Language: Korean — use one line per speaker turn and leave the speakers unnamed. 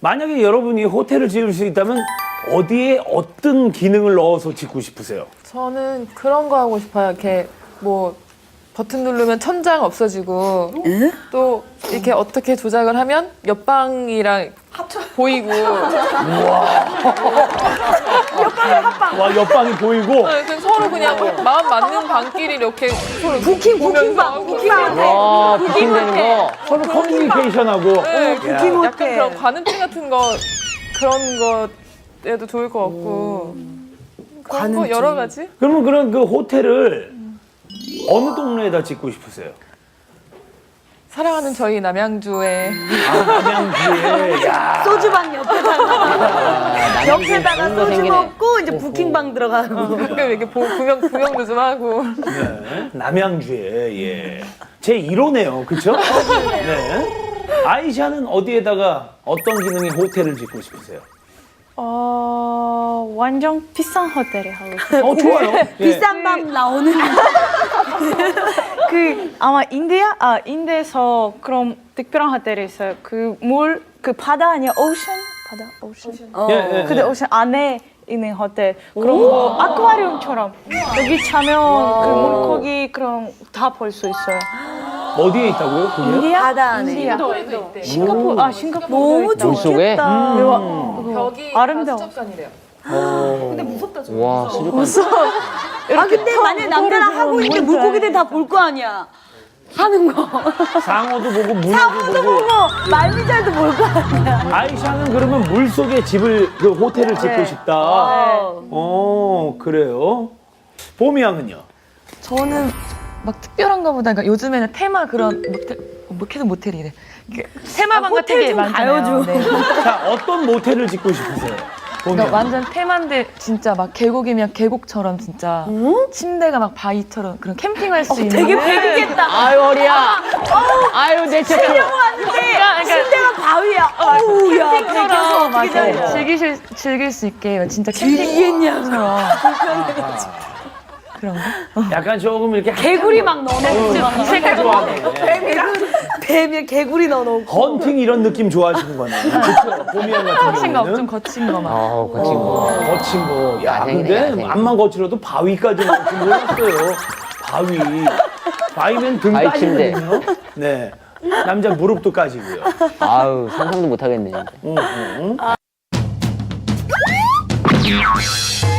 만약에 여러분이 호텔을 지을 수 있다면 어디에 어떤 기능을 넣어서 짓고 싶으세요?
저는 그런 거 하고 싶어요. 이렇게 뭐 버튼 누르면 천장 없어지고 또 이렇게 어떻게 조작을 하면 옆방이랑 보이고
와, 옆방이 보이고.
그냥 서로 그냥 마음 맞는 방끼리 이렇게 서로
부킹방.
와, 부킹되는 거.
서로 커뮤니케이션하고.
네,
야.
약간 그런 관음증 같은 거 그런 거에도 좋을 것 같고 그런 거 여러 가지?
그러면 그런 그 호텔을 어느 동네에다 짓고 싶으세요?
사랑하는 저희 남양주에
남양주에. 야.
소주방 옆에다가 옆에다가
좋은 거
소주
생기네.
먹고 이제 부킹방 들어가고.
가끔 이렇게 구경도 좀 하고
네. 남양주에. 예. 제 1호네요. 그쵸? 네. 아이샤는 어디에다가 어떤 기능의 호텔을 짓고 싶으세요?
완전 비싼 호텔에 하고 싶어요.
좋아요. 예.
비싼 밥 나오는.
아마 인도에서 그런 특별한 호텔이 있어요. 그 바다 아니야? 오션?
예, 예,
근데
예.
오션 안에 있는 호텔. 그런 거 아쿠아리움처럼 여기 자면 그 물고기 그런 다 볼 수 있어요.
어디에 있다고요? 그게?
바다 안에.
인도에도 있대.
싱가포르
너무
물속에?
좋겠다.
벽이
아름다워.
다 수족관이래요.
와, 수족관.
아 근데 만약 남자랑 하고 있는데 물고기들 다 볼 거 아니야. 하는 거.
상어도 보고 문어도
상어도
보고.
보고 말미잘도 볼 거 아니야.
아이샤는 그러면 물속에 그 호텔을 짓고 싶다. 그래요. 봄이 양은요?
저는 막 특별한가 보다. 그러니까 요즘에는 테마 그런 계속 모텔이래. 테마방 같은
호텔
게
좀
많잖아요.
가요, 좀.
네.
자, 어떤 모텔을 짓고 싶으세요? 봄이
그러니까
양.
완전 테마인데 진짜 막 계곡이면 계곡처럼 진짜 침대가 막 바위처럼 그런 캠핑할 수 있는.
되게 배기겠다.
아유, 어리야. 아유, 내 책.
왔는데 침대가 바위야. 어우 야.
캠핑처럼
어떻게 잘해.
즐길 수 있게 진짜
즐기겠냐고.
캠핑처럼 그런 거.
약간 조금 이렇게
개구리 막 넣어놓고.
색깔 좋아하네.
뱀에 개구리 넣어놓고.
헌팅 이런 느낌 좋아하시는 거네. 그렇죠? 봄이 양 같은
거친 거, 좀
경우는.
거친 거 막.
거친 거.
거친 거. 야,
야생이네,
근데
야생.
앞만 거칠어도 바위까지 나올 줄 몰랐어요. 바위. 바위면 등
바위 침대.
까지거든요. 네. 남자 무릎도 까지고요.
아유, 상상도 못 하겠네.
응, 응, 응.